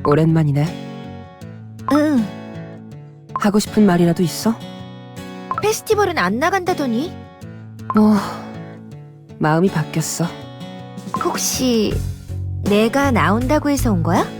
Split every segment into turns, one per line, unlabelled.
오랜만이네.
응,
하고 싶은 말이라도 있어?
페스티벌은 안 나간다더니.
뭐 마음이 바뀌었어.
혹시 내가 나온다고 해서 온 거야?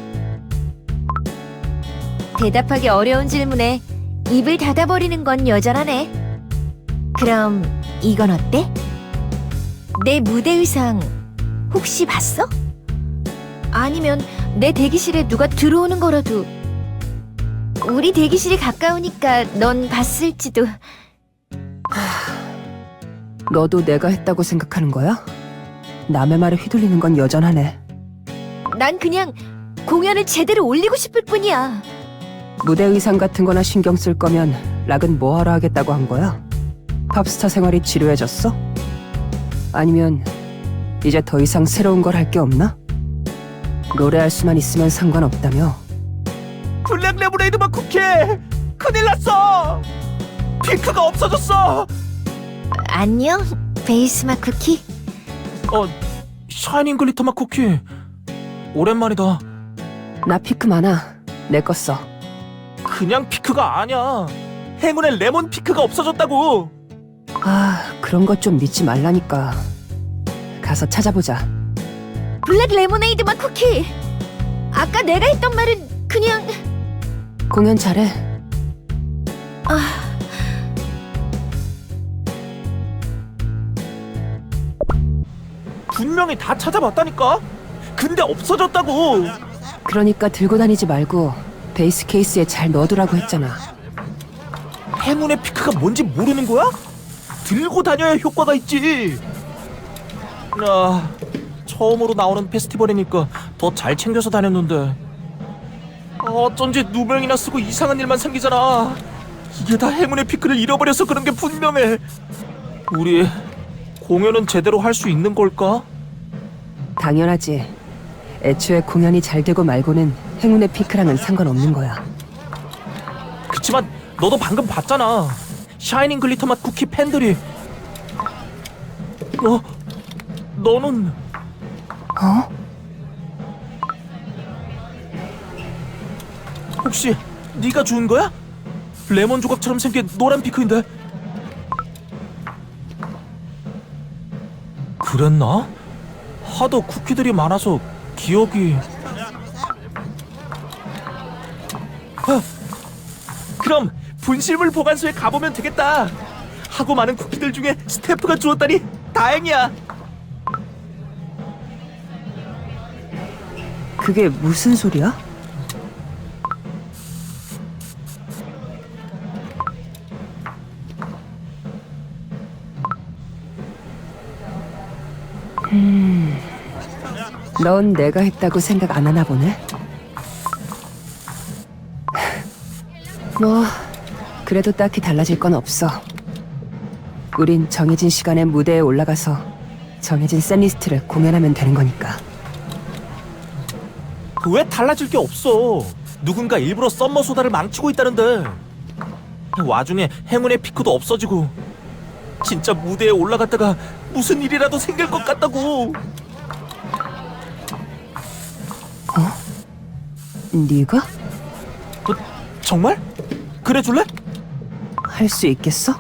대답하기 어려운 질문에 입을 닫아버리는 건 여전하네. 그럼 이건 어때? 내 무대 의상 혹시 봤어? 아니면 내 대기실에 누가 들어오는 거라도. 우리 대기실이 가까우니까 넌 봤을지도.
너도 내가 했다고 생각하는 거야? 남의 말에 휘둘리는 건 여전하네.
난 그냥 공연을 제대로 올리고 싶을 뿐이야.
무대 의상 같은 거나 신경 쓸 거면 락은 뭐하러 하겠다고 한 거야? 팝스타 생활이 지루해졌어? 아니면 이제 더 이상 새로운 걸 할 게 없나? 노래할 수만 있으면 상관없다며.
블랙 레모네이드 맛 쿠키! 큰일 났어! 핑크가 없어졌어!
안녕, 베이스맛 쿠키.
샤이닝 글리터 맛 쿠키. 오랜만이다.
나 피크 많아. 내 거 써.
그냥 피크가 아니야. 행운의 레몬 피크가 없어졌다고.
그런 것 좀 믿지 말라니까. 가서 찾아보자.
블랙 레모네이드 맛 쿠키. 아까 내가 했던 말은 그냥.
공연 잘해.
분명히 다 찾아봤다니까. 근데 없어졌다고.
그러니까 들고 다니지 말고 베이스 케이스에 잘 넣어두라고 했잖아.
행운의 피크가 뭔지 모르는 거야? 들고 다녀야 효과가 있지. 처음으로 나오는 페스티벌이니까 더 잘 챙겨서 다녔는데 어쩐지 누명이나 쓰고 이상한 일만 생기잖아. 이게 다 행운의 피크를 잃어버려서 그런 게 분명해. 우리 공연은 제대로 할 수 있는 걸까?
당연하지. 애초에 공연이 잘 되고 말고는 행운의 피크랑은 상관없는 거야.
그치만 너도 방금 봤잖아. 샤이닝 글리터 맛 쿠키 팬들이. 너는
어?
혹시 네가 주운 거야? 레몬 조각처럼 생긴 노란 피크인데. 그랬나? 하도 쿠키들이 많아서 기억이. 그럼 분실물 보관소에 가보면 되겠다. 하고 많은 쿠키들 중에 스태프가 주었다니 다행이야.
그게 무슨 소리야? 넌 내가 했다고 생각 안 하나 보네? 뭐, 그래도 딱히 달라질 건 없어. 우린 정해진 시간에 무대에 올라가서 정해진 셋리스트를 공연하면 되는 거니까.
왜 달라질 게 없어? 누군가 일부러 썸머 소다를 망치고 있다는데. 와중에 행운의 피크도 없어지고. 진짜 무대에 올라갔다가 무슨 일이라도 생길 것 같다고.
네가?
정말? 그래 줄래?
할 수 있겠어?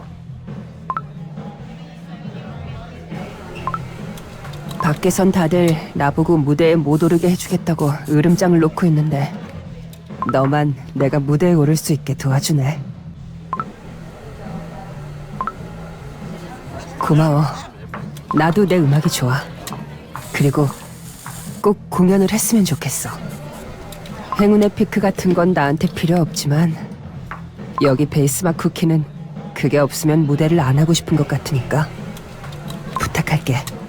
밖에선 다들 나보고 무대에 못 오르게 해주겠다고 으름장을 놓고 있는데 너만 내가 무대에 오를 수 있게 도와주네. 고마워. 나도 내 음악이 좋아. 그리고 꼭 공연을 했으면 좋겠어. 행운의 피크 같은 건 나한테 필요 없지만 여기 베이스맛 쿠키는 그게 없으면 무대를 안 하고 싶은 것 같으니까 부탁할게.